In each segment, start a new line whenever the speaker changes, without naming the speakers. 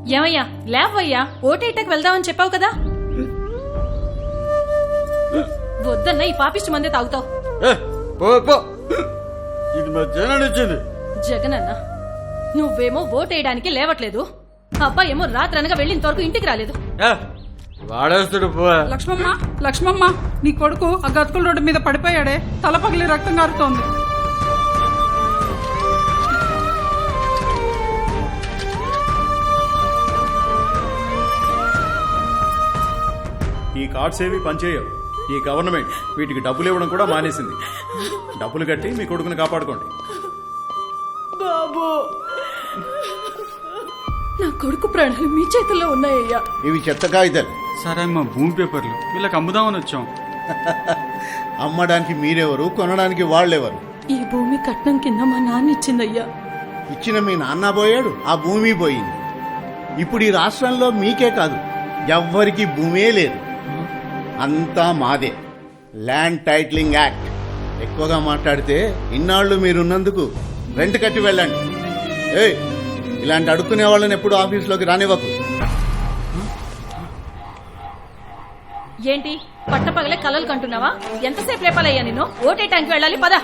ఏమయ్యా లేవయ్యా, ఓటేటకు వెళ్దామని చెప్పావు కదా. వద్దన్న ఈ పాపిష్టి మందే తాగుతావు.
ఇది మా జగన్ ఇచ్చింది.
జగనన్న నువ్వేమో ఓటేయడానికి లేవట్లేదు, అబ్బాయి ఏమో రాత్రనగా వెళ్ళినంత వరకు ఇంటికి రాలేదు.
వాడేస్తాడు.
లక్ష్మమ్మ, లక్ష్మమ్మ, నీ కొడుకు ఆ గతుకుల రోడ్డు మీద పడిపోయాడే, తల పగిలి రక్తం కారుతోంది.
ఈ కార్డ్స్ ఏవి పనిచేయవు. ఈ గవర్నమెంట్ వీటికి డబ్బులు ఇవ్వడం కూడా మానేసింది. డబ్బులు కట్టి మీ కొడుకుని కాపాడుకోండి.
బాబు, నా కొడుకు ప్రాణాలు మీ చేతుల్లో ఉన్నాయ్యా.
ఇవి చెత్త కాగితాలు.
సరే మా భూమి పేపర్లు వీళ్ళకి అమ్ముదామని వచ్చాం.
అమ్మడానికి మీరెవరు, కొనడానికి వాళ్ళెవరు?
ఈ భూమి కట్నం కింద మా నాన్న ఇచ్చిందయ్యా.
ఇచ్చిన మీ నాన్న పోయాడు, ఆ భూమి పోయింది. ఇప్పుడు ఈ రాష్ట్రంలో మీకే కాదు, ఎవ్వరికి భూమే లేదు, అంతా మాదే. Land titling act. ఎక్కువగా మాట్లాడితే ఇన్నాళ్లు మీరున్నందుకు రెంట్ కట్టి వెళ్ళండి. ఏయ్, ఇలాంటి అడుక్కునే వాళ్ళని ఎప్పుడు ఆఫీసులోకి రానివ్వకు.
ఏంటి పట్టపగలే కలలు కంటున్నావా? ఎంతసేపు లేపాలయ్యా నిన్ను? ఓటేయటానికి వెళ్ళాలి, పద.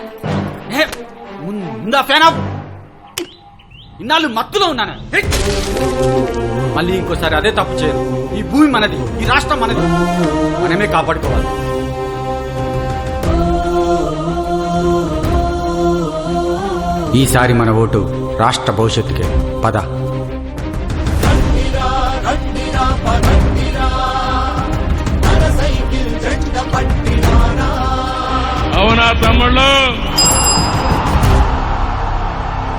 ముందా ఫ్యాన్ ఆఫ్. ఇన్నాళ్ళు మత్తులో ఉన్నాను. మళ్ళీ ఇంకోసారి అదే తప్పు చేయదు. ఈ భూమి మనది, ఈ రాష్ట్రం మనది, మనమే కాపాడుకోవాలి. ఈసారి మన ఓటు రాష్ట్ర భవిష్యత్తుకే. పద.
అవునా తమ్ముళ్ళు?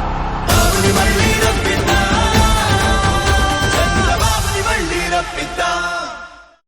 మళ్ళీ రప్పిద్దా